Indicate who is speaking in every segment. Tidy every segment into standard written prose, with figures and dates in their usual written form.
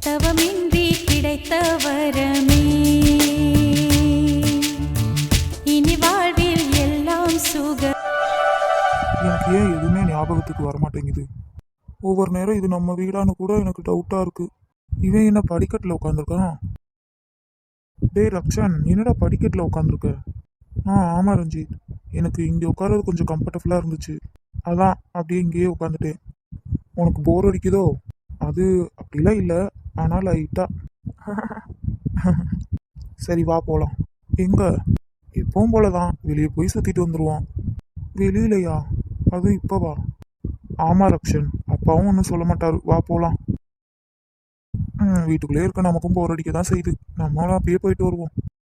Speaker 1: தவமின்றி கிடைத்த வரமே இனி வாழ்வில் எல்லாம் சுக.
Speaker 2: எனக்கு ஏன் எதுவுமே ஞாபகத்துக்கு வரமாட்டேங்குது. ஒவ்வொரு நேரம் இது நம்ம வீடான்னு கூட எனக்கு டவுட்டாக இருக்கு. இவன் என்ன படிக்கட்டில் உட்காந்துருக்கான்? டேய் ரக்ஷன், என்னடா படிக்கட்டில் உட்காந்துருக்க? ஆமாம் ரஞ்சித், எனக்கு இங்கே உட்கார்றது கொஞ்சம் கம்ஃபர்டபுளாக இருந்துச்சு, அதான் அப்படியே இங்கேயே உட்காந்துட்டேன். உனக்கு போர் அடிக்குதோ? அது அப்படிலாம் இல்லை, ஆனால் லைட்டா. சரி வா போகலாம். எங்க? எப்பவும் போல தான், வெளியே போய் சுற்றிட்டு வந்துடுவோம். வெளியிலையா? அது இப்போவா? ஆமாம் ரக்ஷன், அப்பாவும் ஒன்றும் சொல்ல மாட்டாரு, வா போகலாம். வீட்டுக்குள்ளே இருக்க நமக்கும் போர் அடிக்க தான் செய்யுது, நம்மளும் அப்படியே போயிட்டு வருவோம்.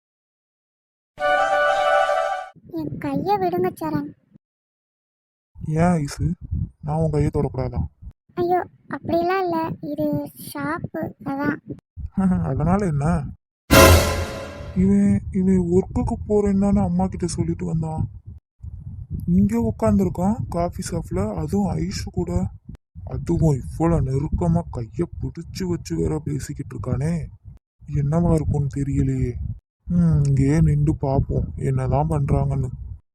Speaker 3: என் கையை விடுங்க சரண்.
Speaker 2: ஏன் ஐசு, நான் உன் கையை தொடக்கூடாதா?
Speaker 3: ஐயோ அப்படிலாம் இல்லை, இது ஷாப்பு அதான்.
Speaker 2: அதனால என்ன? இவன் இவன் ஒர்க்குக்கு போறேன்னு அம்மா கிட்ட சொல்லிட்டு வந்தான். இங்கே உட்காந்துருக்கான் காஃபி ஷாப்ல, அதுவும் ஐஷு கூட. அதுவும் இவ்வளோ நெருக்கமாக கையை பிடிச்சி வச்சு வேற பேசிக்கிட்டு இருக்கானே, என்னவா இருக்கும்னு தெரியலையே. இங்கேயே நின்று பார்ப்போம் என்னதான் பண்றாங்கன்னு.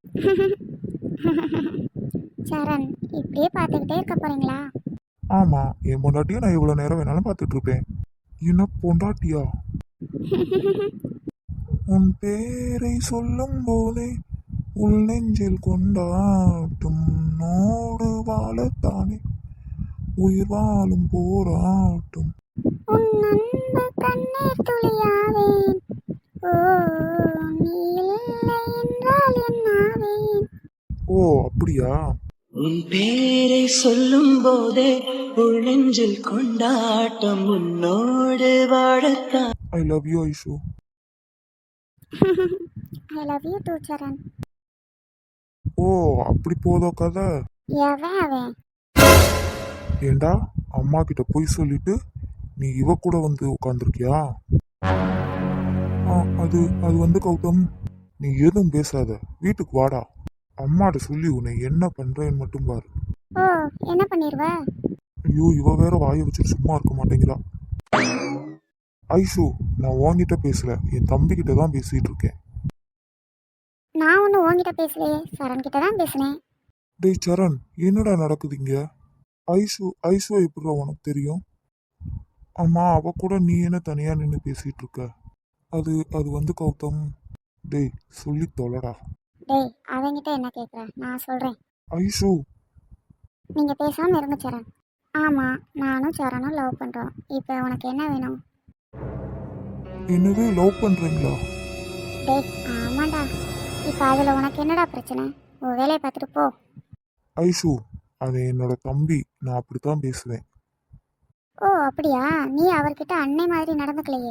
Speaker 3: சரண், இப்படியே பார்த்துக்கிட்டே இருக்க போறீங்களா?
Speaker 2: ஆமா, என் பொண்டாட்டியை நான் எவ்வளோ நேரம் வேணாலும் பார்த்துட்டு இருப்பேன். என்ன பொண்டாட்டியா? உன் பேரை சொல்லும் போதே உள் நெஞ்சில் கொண்டாட்டும் நோடு வாழத்தானே உயிர் வாழும் போராட்டும்.
Speaker 3: உன் அன்பு கண்ணீர் துளியாவேன், ஓ நீ இல்லை என்றால் என்னாவேன்.
Speaker 2: ஓ அப்படியா?
Speaker 4: உன் பேரை சொல்லும் போதே உள் நெஞ்சில் கொண்டாட்டம் உன்னோடு வாழத்தான்.
Speaker 2: I love you Aishu.
Speaker 3: I love you too Charan.
Speaker 2: ஓ அப்படி போதோ கதை.
Speaker 3: எவன் அவன்?
Speaker 2: ஏண்டா, அம்மா கிட்ட போய் சொல்லிட்டு நீ இவ கூட வந்து உட்காந்துருக்கியா? அது அது வந்து கௌதம், நீ எதுவும் பேசாத, வீட்டுக்கு வாடா. அம்மாட்ட சொல்லி உன்னை என்ன பண்றேன்னு மட்டும் பாரு.
Speaker 3: ஓ என்ன பண்ணிடுவ?
Speaker 2: ஐயோ, இவ வேற வாயை வச்சுட்டு சும்மா இருக்க மாட்டேங்கிறா. ஐஷு, நான் உன்கிட்ட பேசல, என் தம்பி கிட்ட தான் பேசிட்டு இருக்கேன்.
Speaker 3: நான் ஒன்றும் உன்கிட்ட பேசலையே, சரண் கிட்ட தான் பேசினேன்.
Speaker 2: டேய் சரண், என்னடா நடக்குது இங்க? ஐஷு ஐஷு எப்படிடா உனக்கு தெரியும்? அம்மா, அவ கூட நீ என்ன தனியா நின்று பேசிட்டு இருக்க? அது அது வந்து கௌதம். டேய் சொல்லி தொலைடா.
Speaker 3: டேய் அவங்கிட்ட என்ன கேட்குற, நான் சொல்கிறேன்.
Speaker 2: ஐஷு.
Speaker 3: நீங்கள் பேசாமல் இருங்க சரண். ஆமாம், நானும் சரணும் லவ் பண்ணுறோம். இப்போ உனக்கு என்ன வேணும்?
Speaker 2: என்னது, லவ் பண்றீங்களா?
Speaker 3: டேய் ஆமாண்டா. இப்போ அதில் உனக்கு என்னடா பிரச்சனை? உன் வேலையை பார்த்துட்டு போ.
Speaker 2: ஐஷு, அது என்னோட தம்பி, நான் அப்படித்தான் பேசுவேன்.
Speaker 3: ஓ அப்படியா? நீ அவர்கிட்ட அன்னை மாதிரி நடந்துக்கலையே.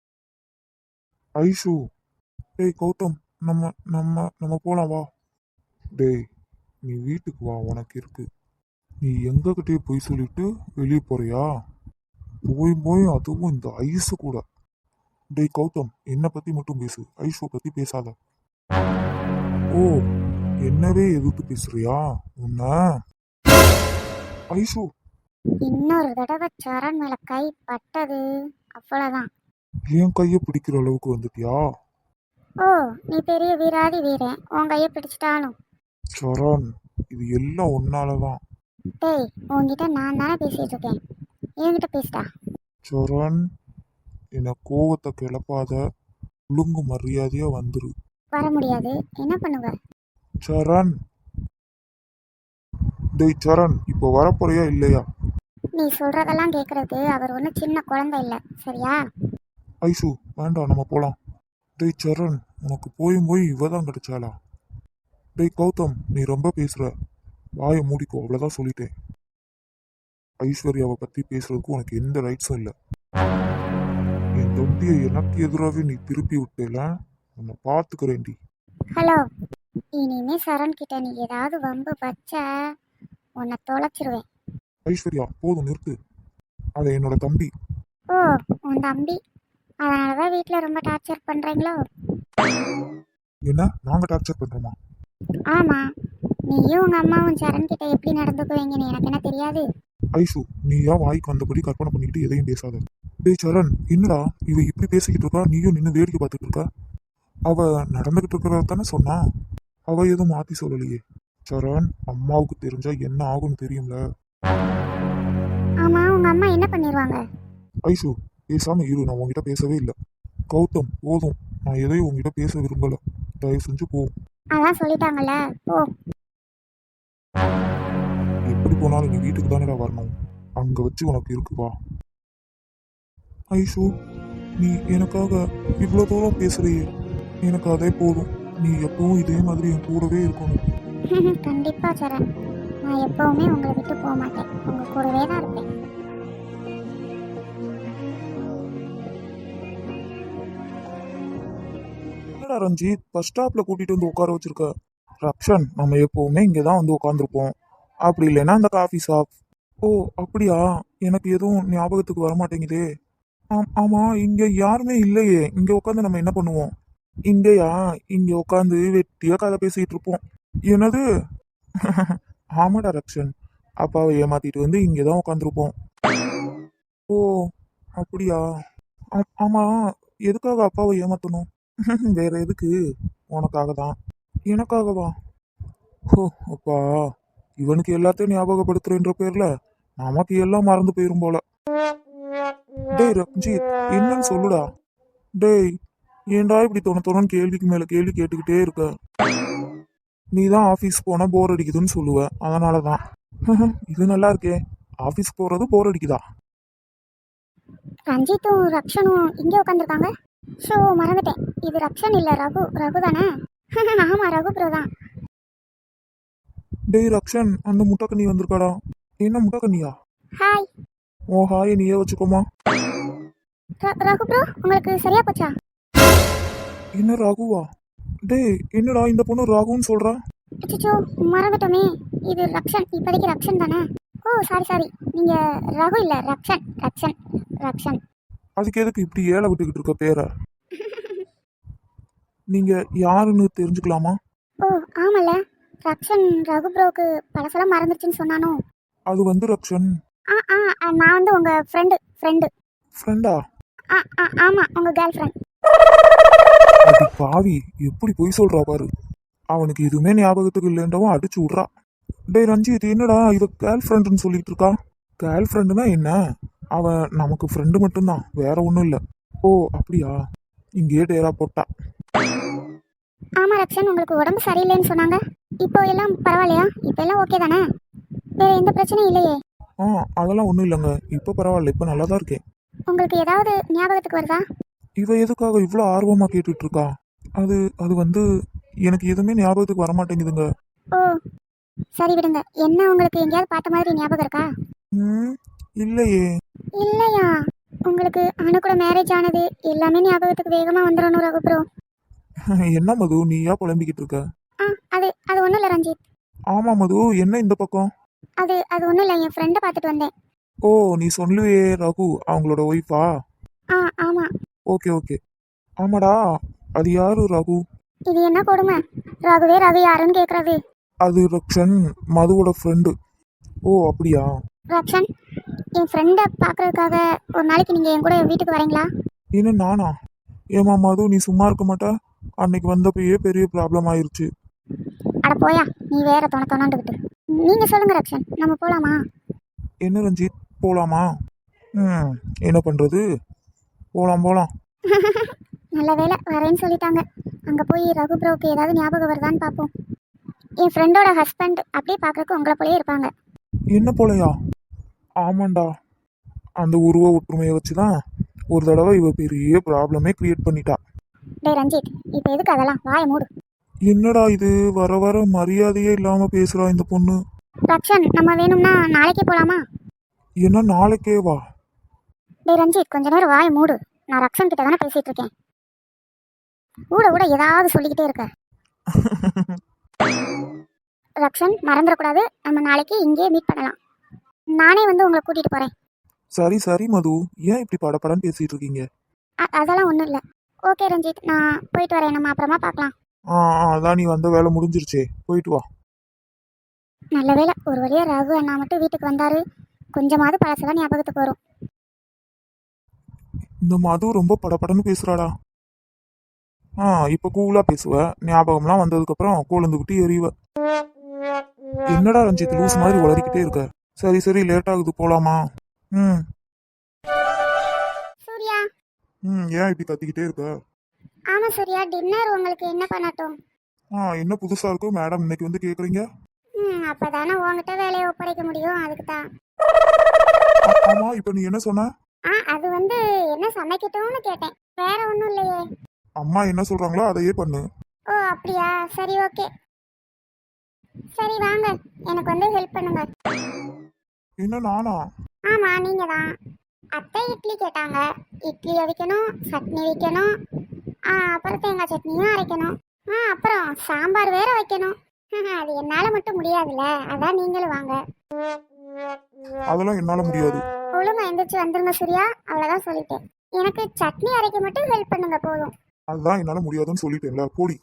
Speaker 2: ஐஷு. டேய் கௌதம், நம்ம நம்ம நம்ம போலாம் வா. டேய் நீ வீட்டுக்கு வா, உனக்கு இருக்கு. நீ எங்ககிட்டயே போய் சொல்லிட்டு வெளியே போறியா? போய் போய் அதுவும் இந்த ஐஸு கூட. டேய் கௌதம், என்னை பத்தி மட்டும் பேசு, ஐஷுவை பத்தி பேசாத. ஓ, என்னவே எதிர்த்து பேசுறியா உன்ன? ஐஷு.
Speaker 3: இன்னொரு தடவை சரண் மேலே கை பட்டது அவ்வளோதான்.
Speaker 2: என் கையை பிடிக்கிற அளவுக்கு வந்துட்டியா?
Speaker 3: ஓ நீ பெரிய வீராதி வீரன், உன் கையை பிடிச்சிட்டாலும்.
Speaker 2: சரண், இது எல்லாம் உன்னாலதான்.
Speaker 3: டேய் உன்கிட்ட நான் தானே பேசிட்டு இருக்கேன், என்கிட்ட பேசிட்டா.
Speaker 2: சரண், என்ன கோவத்தை கிளப்பாத, ஒழுங்கு மரியாதையா வந்துரு.
Speaker 3: வர முடியாது, என்ன பண்ணுவ?
Speaker 2: சரண். டேய் சரண், இப்போ வரப்போறியா இல்லையா?
Speaker 3: நீ சொல்றதெல்லாம் கேட்கறது அவர் ஒன்றும் சின்ன குழந்தை இல்லை, சரியா?
Speaker 2: ஐஷு வேண்டாம், நம்ம போலாம். டேய் சரண், உனக்கு போய் போய் இவ தான் கிடைச்சாளா? டேய் கௌதம், நீ ரொம்ப பேசுற, வாயை மூடிக்கோ, அவ்வளோதான் சொல்லிட்டேன். ஐஸ்வர்யாவை பத்தி பேசுறதுக்கு உனக்கு எந்த ரைட்ஸும் இல்லை. என் தம்பியை எனக்கு எதிராகவே நீ திருப்பி விட்டேல, உன்னை பார்த்துக்கிறேன்டி.
Speaker 3: ஹலோ, இனிமே சரண் கிட்ட நீ ஏதாவது வம்பு வச்ச உன்னை தொலைச்சிருவேன்.
Speaker 2: ஐஸ்வர்யா போதும், நிறுத்து. அது என்னோட தம்பி.
Speaker 3: ஓ உன் தம்பி, அதனால தான் வீட்டில் ரொம்ப டார்ச்சர் பண்ணுறீங்களோ?
Speaker 2: என்ன, நாங்க டார்ச்சர் பண்றோமா?
Speaker 3: ஆமாம், நீயும் உங்கள் அம்மாவும் சரண் கிட்ட எப்படி நடந்துக்குவீங்கன்னு எனக்கு என்ன தெரியாது?
Speaker 2: ஐஷு, நீ ஏன் வாய்க்கு வந்தபடி கற்பனை பண்ணிக்கிட்டு எதையும் பேசாத. டேய் சரண், என்னடா இவ இப்படி பேசிக்கிட்டு இருக்கா, நீயும் நின்று வேடிக்கை பார்த்துட்டு இருக்க? அவ நடந்துகிட்டு இருக்கிறத தானே சொன்னா, அவ எதுவும் மாத்தி சொல்லலையே. சரண், அம்மாவுக்கு தெரிஞ்சா என்ன ஆகும்னு தெரியும்ல.
Speaker 3: ஆமா, உங்க அம்மா என்ன பண்ணிடுவாங்க?
Speaker 2: ஐஷு, பேசாம இரு, நான் உன்கிட்ட பேசவே இல்லை. கௌதம், போதும், நான் எதையும் உன்கிட்ட பேச விரும்பல, தயவு செஞ்சு போ.
Speaker 3: அதான் சொல்லிட்டாங்கல்ல, போ.
Speaker 2: எப்படி போனாலும் நீ வீட்டுக்கு தானேடா வரணும், அங்க வச்சு உனக்கு இருக்கு, வா. ஐஷு, நீ எனக்காக இவ்வளோ தூரம் பேசுறியே, எனக்கு அதே போதும். நீ எப்பவும் இதே மாதிரி என் கூடவே இருக்கணும்.
Speaker 3: கண்டிப்பா சரண், நான் எப்பவுமே உங்களை விட்டு போக மாட்டேன், உங்க கூடவே தான் இருப்பேன்.
Speaker 2: என்னடா ரஞ்சித், பஸ் ஸ்டாப்ல கூட்டிட்டு வந்து உட்கார வச்சிருக்க? ரக்ஷன், நம்ம எப்பவுமே இங்கே தான் வந்து உட்காந்துருப்போம், அப்படி இல்லைன்னா அந்த காஃபி ஷாப். ஓ அப்படியா, எனக்கு எதுவும் ஞாபகத்துக்கு வர மாட்டேங்குதே. ஆமா, இங்க யாருமே இல்லையே, இங்க உட்காந்து நம்ம என்ன பண்ணுவோம்? இங்கயா, இங்க உட்காந்து வெட்டியா கதை பேசிட்டு இருப்போம். என்னது? ஆமாடா ரக்ஷன், அப்பாவை ஏமாத்திட்டு வந்து இங்கதான் உட்காந்துருப்போம். ஓ அப்படியா? ஆமா, எதுக்காக அப்பாவை ஏமாத்தணும்? வேற எதுக்கு? உனக்காக தான். எனக்காகவா? ஓ அப்பா, இவனுக்கு எல்லாத்தையும் ஞாபகப்படுத்துறேன்ற பேர்ல நமக்கு எல்லாம் மறந்து போயிரும் போல. டேய் ரஞ்சித், என்னன்னு சொல்லுடா. டேய், ஏன்டா இப்படி தொண கேள்விக்கு மேல கேள்வி கேட்டுக்கிட்டே இருக்க? நீ தான் ஆஃபீஸ் போனா போர் அடிக்குதுன்னு சொல்லுவ, அதனால தான். இது நல்லா இருக்கே, ஆஃபீஸ் போறது போர் அடிக்குதா?
Speaker 3: ரஞ்சித்தும் ரக்ஷனும் இங்கே உட்காந்துருக்காங்க. ஷோ, மறந்துட்டேன், இது ரக்ஷன் இல்ல, ரகு. ரகு தானே? ஆமா, ரகு ப்ரோ தான்.
Speaker 2: டேய் ரக்ஷன், அந்த முட்டைக்கண்ணி வந்திருக்காடா. என்ன முட்டைக்கண்ணியா?
Speaker 3: ஹாய்.
Speaker 2: ஓ ஹாய், நீயே வச்சுக்கோமா.
Speaker 3: ரகு ப்ரோ, உங்களுக்கு சரியா போச்சா?
Speaker 2: என்ன ரகுவா? டேய், என்னடா இந்த பொண்ணு ராகுன்னு சொல்றா?
Speaker 3: அச்சோ, மறந்துட்டோமே, இது ரக்ஷன், இப்போதைக்கு ரக்ஷன் தானே. ஓ சாரி சாரி, நீங்க ரகு இல்ல, ரக்ஷன் ரக்ஷன் ரக்ஷன்.
Speaker 2: அதுக்கு எதுக்கு இப்படி ஏழை விட்டுக்கிட்டு இருக்க பேரை? நீங்க யாருன்னு தெரிஞ்சுக்கலாமா?
Speaker 3: ஓ ஆமல்ல, ரக்ஷன் ரகு ப்ரோக்கு பழசெல்லாம் மறந்துருச்சுன்னு சொன்னானோ.
Speaker 2: அது வந்து ரக்ஷன்.
Speaker 3: நான் வந்து உங்க ஃப்ரெண்டு.
Speaker 2: ஃப்ரெண்டா?
Speaker 3: ஆமா, உங்க கேர்ள் ஃப்ரெண்ட்.
Speaker 2: அது பாவி, எப்படி போய் சொல்றா பாரு. அவனுக்கு எதுவுமே ஞாபகத்துக்கு இல்லைன்றவும் அடிச்சு விட்றா. டேய் ரஞ்சித், என்னடா இவ கேர்ள் ஃப்ரெண்டுன்னு சொல்லிட்டு இருக்கா? கேர்ள் ஃப்ரெண்டுனா என்ன? அவன் நமக்கு ஃப்ரெண்டு மட்டும்தான், வேற ஒன்றும் இல்லை. ஓ அப்படியா? இங்கேயே டேரா போட்டா.
Speaker 3: ஆமா ரக்ஷன், உங்களுக்கு உடம்பு சரியில்லைன்னு சொன்னாங்க, இப்போ எல்லாம் பரவாயில்லையா? இப்போ எல்லாம் ஓகே தானே? வேற எந்த பிரச்சனையும் இல்லையே?
Speaker 2: அதெல்லாம் ஒன்றும் இல்லைங்க, இப்போ பரவாயில்ல, இப்போ நல்லா தான் இருக்கேன்.
Speaker 3: உங்களுக்கு ஏதாவது ஞாபகத்துக்கு வருதா?
Speaker 2: இவ எதுக்காக இவ்வளோ ஆர்வமாக கேட்டுட்டு இருக்கா? அது வந்து எனக்கு எதுவுமே ஞாபகத்துக்கு வரமாட்டேங்குதுங்க.
Speaker 3: ஓ சரி விடுங்க. என்ன, உங்களுக்கு எங்கேயாவது பார்த்த மாதிரி ஞாபகம் இருக்கா?
Speaker 2: இல்லையே.
Speaker 3: இல்லையா? உங்களுக்கு அனு கூட மேரேஜ் ஆனது எல்லாமே ஞாபகத்துக்கு வேகமா வந்துடணும் ரகு ப்ரோ.
Speaker 2: என்ன மது, நீயா புலம்பிக்கிட்டு இருக்க?
Speaker 3: அது ஒன்றும் இல்லை ரஞ்சித்.
Speaker 2: ஆமா மது, என்ன இந்த பக்கம்?
Speaker 3: அது ஒன்றும் இல்லை, என் ஃப்ரெண்டை பார்த்துட்டு வந்தேன்.
Speaker 2: ஓ, நீ சொல்லுவே ரகு அவங்களோட ஒய்ஃபா?
Speaker 3: ஆமா.
Speaker 2: ஓகே. ஆமாடா, அது யாரு ரகு?
Speaker 3: இது என்ன கொடுமை, ரகுவே ரகு யாருன்னு கேட்கறது.
Speaker 2: அது ரக்ஷன், மதுவோட ஃப்ரெண்டு. ஓ அப்படியா?
Speaker 3: ரக்ஷன், என் ஃப்ரெண்டை பார்க்கறதுக்காக ஒரு நாளைக்கு நீங்கள் என் கூட வீட்டுக்கு வரீங்களா?
Speaker 2: என்ன நானா? ஏமா மது, நீ சும்மா இருக்க மாட்டா? அன்னைக்கு வந்தப்பயே பெரிய ப்ராப்ளம் ஆயிருச்சு.
Speaker 3: அட போயா, நீ வேற தொணந்துக்கிட்டு. நீங்கள் சொல்லுங்க ரக்ஷன், நம்ம போகலாமா?
Speaker 2: என்ன ரஞ்சித், போலாமா? என்ன பண்றது, போலாம்.
Speaker 3: நல்ல வேலை வரேன்னு சொல்லிட்டாங்க. அங்கே போய் ரகு ப்ரோக்கு ஏதாவது ஞாபகம் வருதான்னு பார்ப்போம். என் ஃப்ரெண்டோட ஹஸ்பண்ட் அப்படியே பார்க்கறதுக்கு உங்களை போலயே இருப்பாங்க.
Speaker 2: என்ன போலையா? ஆமாண்டா, அந்த உருவ ஒற்றுமையை வச்சுதான் ஒரு தடவை இவ பெரிய ப்ராப்ளமே கிரியேட் பண்ணிட்டா.
Speaker 3: டேய் ரஞ்சித், இப்போ எதுக்கு அதெல்லாம், வாயை மூடு.
Speaker 2: என்னடா இது, வர மரியாதையே இல்லாம பேசுறா இந்த பொண்ணு.
Speaker 3: ரக்ஷன், நம்ம வேணும்னா நாளைக்கே போகலாமா?
Speaker 2: என்ன நாளைக்கே வா?
Speaker 3: டேய் ரஞ்சித், கொஞ்ச நேரம் வாயை மூடு. நான் ரக்ஷன் கிட்ட தானே பேசிட்டு இருக்கேன். ஊட ஏதாவது சொல்லிக்கிட்டே இருக்க. ரக்ஷன், மறந்துடக்கூடாது, நம்ம நாளைக்கு இங்கேயே மீட் பண்ணலாம். நானே வந்து உங்களை கூட்டிட்டு போறேன்.
Speaker 2: சரி மது, ஏன் இப்படி படபடன்னு பேசிட்டு இருக்கீங்க?
Speaker 3: அதெல்லாம் ஒன்றும் இல்லை. ஓகே ரஞ்சித், நான் போயிட்டு வரேன், நம்ம அப்புறமா பார்க்கலாம்.
Speaker 2: அதான் நீ வந்த வேலை முடிஞ்சிருச்சே, போயிட்டு வா.
Speaker 3: நல்ல வேலை, ஒரு வழியாக ரகு அண்ணா மட்டும் வீட்டுக்கு வந்தாரு, கொஞ்சமாவது பழசெல்லாம் ஞாபகத்துக்கு வரும்.
Speaker 2: இந்த மது ரொம்ப படபடன்னு பேசுறாடா. இப்ப கூலா பேசுவ, ஞாபகம்லாம் வந்ததுக்கு கோலந்து விட்டு எறிவ. என்னடா ரஞ்சித் லூஸ் மாதிரி உளறிக்கிட்டே இருக்க. சரி சரி லேட் ஆகுது போலாமா? ம்
Speaker 3: சூர்யா.
Speaker 2: ஏன் இப்படி கத்திக்கிட்டே இருக்க?
Speaker 3: ஆமா சூர்யா, டின்னர் உங்களுக்கு என்ன பண்ணட்டும்?
Speaker 2: என்ன புதுசா இருக்கோ மேடம் இன்னைக்கு வந்து கேக்குறீங்க?
Speaker 3: அப்பதானே உங்ககிட்ட வேலையை ஒப்படைக்க முடியும், அதுக்கு தான்.
Speaker 2: ஆமா இப்ப நீ என்ன சொன்ன?
Speaker 3: அது வந்து என்ன சமைக்கட்டும்னு கேட்டேன், வேற ஒன்றும் இல்லையே.
Speaker 2: அம்மா என்ன சொல்றாங்களோ அதையே பண்ணு.
Speaker 3: ஓ அப்படியா, சரி ஓகே. சரி வாங்க, எனக்கு வந்து ஹெல்ப் பண்ணுங்க.
Speaker 2: என்ன நானா?
Speaker 3: ஆமா நீங்க தான். அத்தை இட்லி கேட்டாங்க, இட்லி அவிக்கணும், சட்னி வைக்கணும், அப்புறம் தேங்காய் சட்னியும் அரைக்கணும், அப்புறம் சாம்பார் வேற வைக்கணும். அது என்னால மட்டும் முடியாதுல்ல, அதான் நீங்களும் வாங்க.
Speaker 2: அதெல்லாம் என்னால முடியாது.
Speaker 3: ஒழுங்கா எந்திரிச்சு வந்துருங்க சூர்யா, அவ்வளவுதான் சொல்லிட்டேன். எனக்கு சட்னி அரைக்க மட்டும் ஹெல்ப் பண்ணுங்க போதும்.
Speaker 2: அதுதான் என்னால முடியாதுன்னு சொல்லிட்டேன்ல, போடி.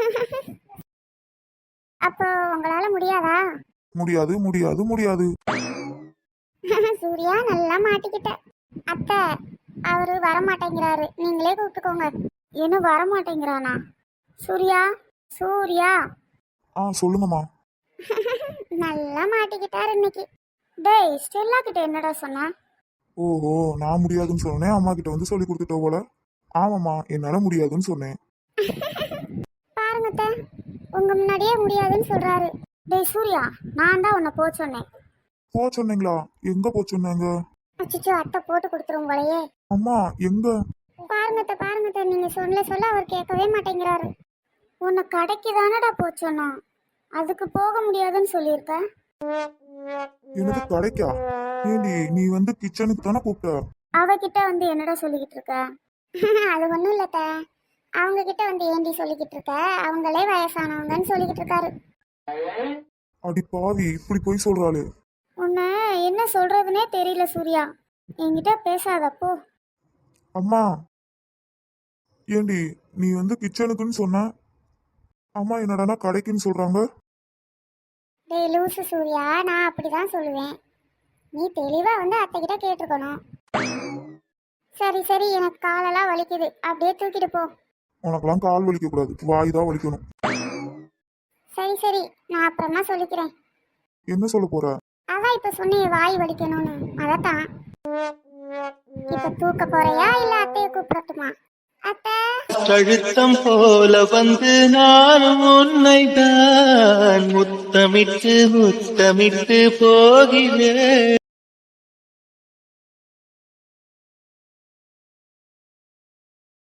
Speaker 3: அப்போ உங்களால முடியாதா?
Speaker 2: முடியாது முடியாது முடியாது.
Speaker 3: சூர்யா நல்லா மாட்டிக்கிட்ட. அத்தை அவரு வரமாட்டேங்கிறாரு, நீங்களே கூப்பிட்டுக்கோங்க. இன்னும் வரமாட்டேங்கிறானா? சூர்யா சூர்யா.
Speaker 2: சொல்லுங்கம்மா.
Speaker 3: நல்லா மாட்டிக்கிட்டாரு இன்னைக்கு. டேய் ஸ்டெல்லா கிட்ட என்னடா சொன்ன?
Speaker 2: ஓஹோ நான் முடியாதுன்னு சொன்னேன், அம்மா கிட்ட வந்து சொல்லி கொடுத்துட்டோ போல. ஆமாம்மா என்னால முடியாதுன்னு சொன்னேன்.
Speaker 3: பாருங்க அத்தை, உங்க முன்னாடியே முடியாதுன்னு சொல்றாரு. டேய் சூர்யா, நான் தான் உன்னை போக சொன்னேன்.
Speaker 2: போ சொன்னீங்களா? எங்க போ சொன்னாங்க?
Speaker 3: அச்சோ அத்தை போட்டு கொடுத்துரும் போலயே.
Speaker 2: அம்மா எங்க?
Speaker 3: பாருங்க அத்தை, நீங்க சொல்ல அவர் கேட்கவே மாட்டேங்கிறாரு. உன்னை கடைக்கு தானடா போக சொன்னான், அதுக்கு போக முடியாதுன்னு சொல்லியிருக்க.
Speaker 2: எனக்கு கடைக்கா? ஏண்டி நீ வந்து கிச்சனுக்கு தானே கூப்பிட்ட?
Speaker 3: அவகிட்ட வந்து என்னடா சொல்லிக்கிட்டு இருக்க? அது ஒன்றும் இல்லத்த, அவங்க கிட்ட வந்து ஏண்டி சொல்லிக்கிட்டு இருக்க, அவங்களே வயசானவங்கன்னு சொல்லிக்கிட்டு இருக்காரு.
Speaker 2: அடி பாவி இப்படி போய் சொல்றாளே.
Speaker 3: உன்னை என்ன சொல்றதுனே தெரியல சூர்யா, என்கிட்ட பேசாதப்போ.
Speaker 2: அம்மா ஏண்டி நீ வந்து கிச்சனுக்குன்னு சொன்ன, அம்மா என்னடானா கடைக்குன்னு சொல்றாங்க.
Speaker 3: டேய் லூசு சூர்யா, நான் அப்படிதான் சொல்லுவேன், நீ தெளிவா வந்து அத்தை கிட்ட கேட்டிருக்கணும். சரி சரி, எனக்கு காலெல்லாம் வலிக்குது, அப்படியே தூக்கிட்டு போ.
Speaker 2: உனக்கெல்லாம் கால் வலிக்க கூடாது, வாய் தான் வலிக்கணும்.
Speaker 3: சரி சரி, நான் அப்புறமா சொல்லிக்கிறேன்.
Speaker 2: என்ன சொல்ல போற?
Speaker 3: அதான் இப்ப சொன்னேன் வாய் வலிக்கணும்னு, அதத்தான். இப்ப தூக்க போறியா இல்ல அத்தைய கூப்பிடட்டுமா? அத்தை
Speaker 4: கழுத்தம் போல வந்து நானும் உன்னை தான் முத்தமிட்டு முத்தமிட்டு போகிறேன்.